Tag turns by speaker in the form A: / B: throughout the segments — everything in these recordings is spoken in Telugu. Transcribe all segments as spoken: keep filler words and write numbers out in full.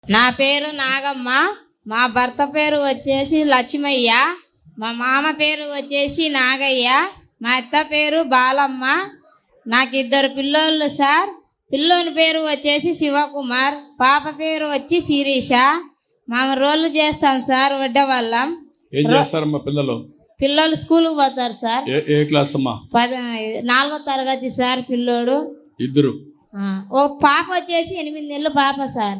A: నా పేరు నాగమ్మ, మా భర్త పేరు వచ్చేసి లక్ష్మయ్య, మా మామ పేరు వచ్చేసి నాగయ్య, మా అత్త పేరు బాలమ్మ. నాకు ఇద్దరు పిల్లోళ్ళు సార్. పిల్లోని పేరు వచ్చేసి శివకుమార్, పాప పేరు వచ్చి శిరీష. మేము రోళ్ళు చేస్తాం సార్ వడ్డవల్లం.
B: ఏం చేస్తారమ్మా పిల్లలు?
A: పిల్లలు స్కూల్కి పోతారు సార్.
B: ఏ క్లాస్ అమ్మా?
A: పది నాలుగో తరగతి సార్ పిల్లోడు.
B: ఇద్దరు.
A: ఒక పాప వచ్చేసి ఎనిమిది నెలలు పాప సార్.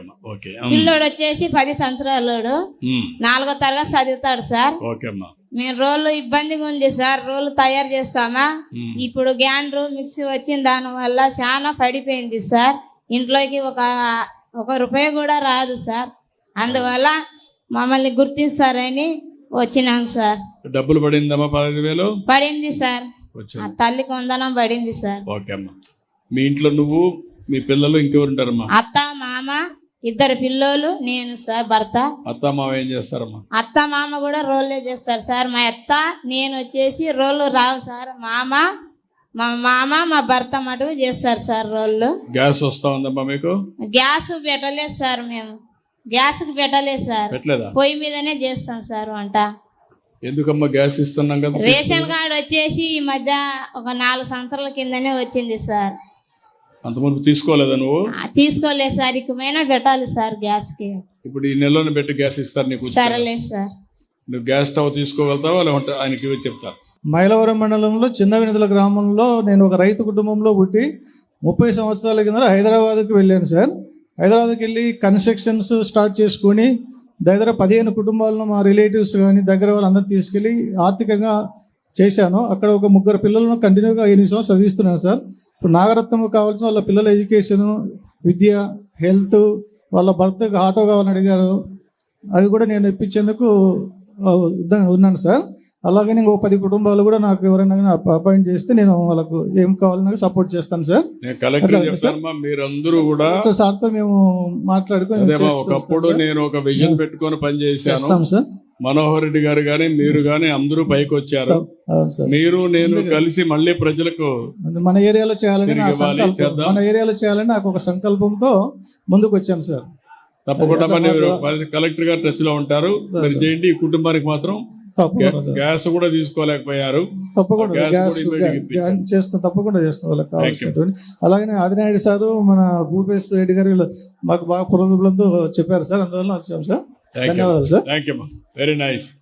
A: పిల్లోడు వచ్చేసి పది సంవత్సరాలు, నాలుగో తరగతి చదువుతాడు సార్. మేము రోళ్ళు ఇబ్బందిగా ఉంది సార్, రోళ్ళు తయారు చేస్తామా. ఇప్పుడు గ్యాండ్రు మిక్సీ వచ్చిన దాని వల్ల చాలా పడిపోయింది సార్. ఇంట్లోకి ఒక ఒక రూపాయి కూడా రాదు సార్. అందువల్ల మమ్మల్ని గుర్తిస్తారని వచ్చినాం సార్.
B: డబ్బులు పడిందమ్మా? పదహైదు వేలు
A: పడింది సార్. తల్లికి వందనం పడింది సార్.
B: ఓకే అమ్మా. మీ ఇంట్లో నువ్వు, మీ పిల్లలు, ఇంకెవరు ఉంటారమ్మా?
A: అత్త మామ, ఇద్దరు పిల్లోలు, నేను సార్ భర్త.
B: అత్త మామ ఏం చేస్తారమ్మా?
A: అత్త మామ కూడా రోళ్ళే చేస్తారు సార్. మా అత్త నేను వచ్చేసి రోళ్ళు రావు సార్. మామ మా మామ మా భర్త మటుకు చేస్తారు సార్ రోళ్ళు.
B: గ్యాస్ వస్తా ఉందమ్మా మీకు?
A: గ్యాస్ పెట్టలేదు సార్. మేము గ్యాస్ కి పెట్టలేదు సార్.
B: పెట్టలేదా?
A: పొయ్యి మీదనే చేస్తాం సార్ వంట.
B: ఎందుకమ్మా గ్యాస్ ఇస్తున్నాం కదా?
A: రేషన్ కార్డు వచ్చేసి ఈ మధ్య ఒక నాలుగు సంవత్సరాల కిందనే వచ్చింది సార్.
B: అంతమంది తీసుకోలేదా నువ్వు?
A: తీసుకోలేదు సార్. ఇకమైనా పెట్టాలి సార్ గ్యాస్ కి.
B: ఇప్పుడు ఈ నెలలో పెట్టి గ్యాస్ ఇస్తారు నీకు?
A: సరేలే సార్.
B: నువ్వు గ్యాస్ స్టవ్ తీసుకోగలుగుతావా లేకుంటే ఆయనకి ఇవి చెప్తారు?
C: మైలవరం మండలంలో చిన్న వినతుల గ్రామంలో నేను ఒక రైతు కుటుంబంలో పుట్టి ముప్పై సంవత్సరాల కింద హైదరాబాద్కి వెళ్ళాను సార్. హైదరాబాద్కి వెళ్ళి కన్స్ట్రక్షన్స్ స్టార్ట్ చేసుకొని దగ్గర పదిహేను కుటుంబాలను మా రిలేటివ్స్ కానీ దగ్గర వాళ్ళందరూ తీసుకెళ్ళి ఆర్థికంగా చేశాను. అక్కడ ఒక ముగ్గురు పిల్లలను కంటిన్యూగా ఎనిమిది సంవత్సరాలు చదివిస్తున్నాను సార్. ఇప్పుడు నాగరత్నం కావాల్సిన వాళ్ళ పిల్లల ఎడ్యుకేషను, విద్య, హెల్త్, వాళ్ళ భర్తకు ఆటో కావాలని అడిగారు. అవి కూడా నేను ఇప్పించేందుకు ఉన్నాను సార్. అలాగే ఇంకో పది కుటుంబాలు కూడా నాకు ఎవరైనా అపాయింట్ చేస్తే నేను వాళ్ళకు ఏం కావాలన్నా సపోర్ట్ చేస్తాను సార్.
B: మీరందరూ కూడా
C: సార్తో మేము మాట్లాడుకొని
B: ఒకప్పుడు నేను ఒక విజన్ పెట్టుకొని పనిచేసాను
C: సార్.
B: మనోహర్ రెడ్డి గారు గాని మీరు గాని అందరూ పైకి వచ్చారు. మీరు నేను కలిసి మళ్ళీ ప్రజలకు
C: మన ఏరియాలో చేయాలని మన ఏరియాలో చేయాలని నాకు ఒక సంకల్పంతో ముందుకు వచ్చాను సార్.
B: తప్పకుండా కలెక్టర్ గారు టచ్ లో ఉంటారు. మీరు చేయండి. ఈ కుటుంబానికి మాత్రం గ్యాస్ కూడా తీసుకోలేకపోయారు.
C: తప్పకుండా గ్యాస్ చేస్తాం, తప్పకుండా చేస్తాం వాళ్ళకి కావాల్సినటువంటి. అలాగే ఆదినాయుడు సారు, మన భూపేశ్ రెడ్డి గారు వీళ్ళు మాకు బాగా పురోగతులతో చెప్పారు సార్. అందువల్ల వచ్చాం సార్. ధన్యవాదాలు sir.
B: Thank you. Very nice.